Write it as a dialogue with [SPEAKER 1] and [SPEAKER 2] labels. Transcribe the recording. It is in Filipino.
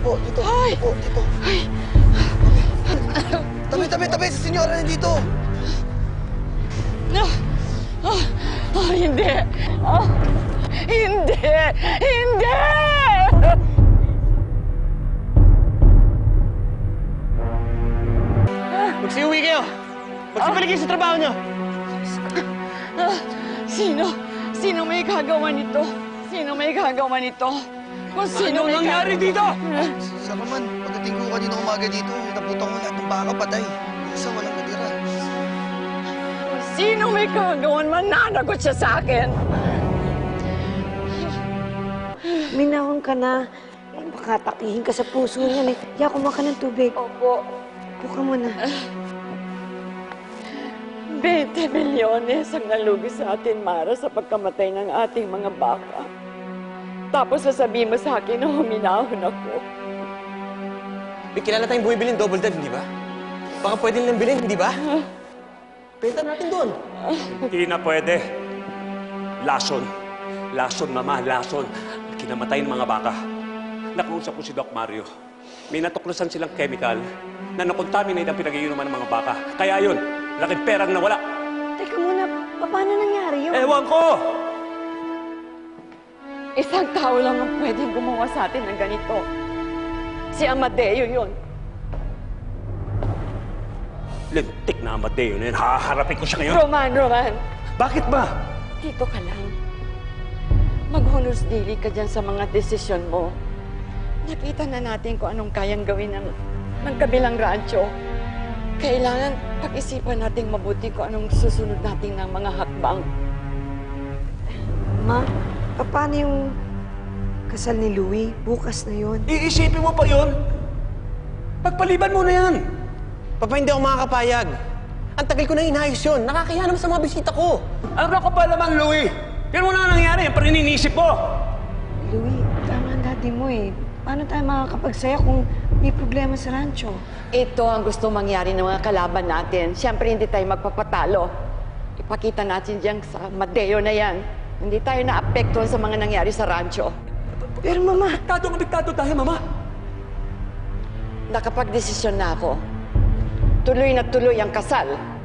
[SPEAKER 1] po, dito.
[SPEAKER 2] Ay!
[SPEAKER 1] Dito po, dito.
[SPEAKER 2] Ay!
[SPEAKER 1] Tabi, si senyora nandito.
[SPEAKER 2] Hindi! Hindi! Hindi!
[SPEAKER 3] Magsiuwi kayo! Magsibalik kayo sa trabaho niyo!
[SPEAKER 2] Sino? Sino may gagawa nito? Sino may gagawa nito? Kung sino
[SPEAKER 3] Ano
[SPEAKER 2] may
[SPEAKER 3] nangyari dito?
[SPEAKER 1] Sa man, pagdating ko kanina umaga dito, naputang ko lahat ng baka patay. Isa walang natira.
[SPEAKER 2] Kung sino may gagawan, mananagot siya sa akin.
[SPEAKER 4] Minahon ka na. Baka takihin ka sa puso niyan eh. Kaya kumuha ka ng tubig.
[SPEAKER 2] Opo.
[SPEAKER 4] Upo ka muna.
[SPEAKER 2] 20 milyones ang nalugi sa atin, Mara, sa pagkamatay ng ating mga baka. Tapos sasabihin mo sa akin na huminahon ako.
[SPEAKER 3] May kilala tayong bumibiling double dead, hindi ba? Baka pwede nilang bilhin, hindi ba? Benta natin doon.
[SPEAKER 5] Hindi na pwede. Lason. Lason, mama, lason. Kinamatay ng mga baka. Nakausap ko si Doc Mario. May natuklasan silang chemical na nakontaminate ang pinag-iinuman ng mga baka. Kaya yun, laking perang nawala.
[SPEAKER 4] Teka muna, paano nangyari yun?
[SPEAKER 5] Ewan ko!
[SPEAKER 2] Isang tao lang ang pwedeng gumawa sa atin ng ganito. Si Amadeo yun.
[SPEAKER 5] Lintik na Amadeo na yun. Haharapin ko siya ngayon.
[SPEAKER 2] Roman!
[SPEAKER 5] Bakit ba?
[SPEAKER 2] Dito ka lang. Maghunos dili ka dyan sa mga desisyon mo. Nakita na natin kung anong kayang gawin ng kabilang rancho. Kailangan pag-isipan natin mabuti kung anong susunod natin ng mga hakbang.
[SPEAKER 4] Ma, paano yung kasal ni Louie? Bukas na yun.
[SPEAKER 3] Iisipin mo pa yun? Pagpaliban mo na yan. Papa, hindi ako makakapayag. Ang tagal ko na inayos yun. Nakakaya naman sa mga bisita ko.
[SPEAKER 5] Ano ka ba naman, Louie? Yan mo na nangyari. Yan pa rin iniisip mo.
[SPEAKER 4] Louie, tama ang daddy mo eh. Paano tayo makakapagsaya kung may problema sa rancho?
[SPEAKER 2] Ito ang gusto mangyari ng mga kalaban natin. Siyempre, hindi tayo magpapatalo. Ipakita natin diyan sa Amadeo na yan. Hindi tayo naapektuhan sa mga nangyari sa rancho.
[SPEAKER 4] Pero mama,
[SPEAKER 5] Apektado tayo, mama.
[SPEAKER 2] Nakapag-desisyon na ako. Tuloy na tuloy ang kasal.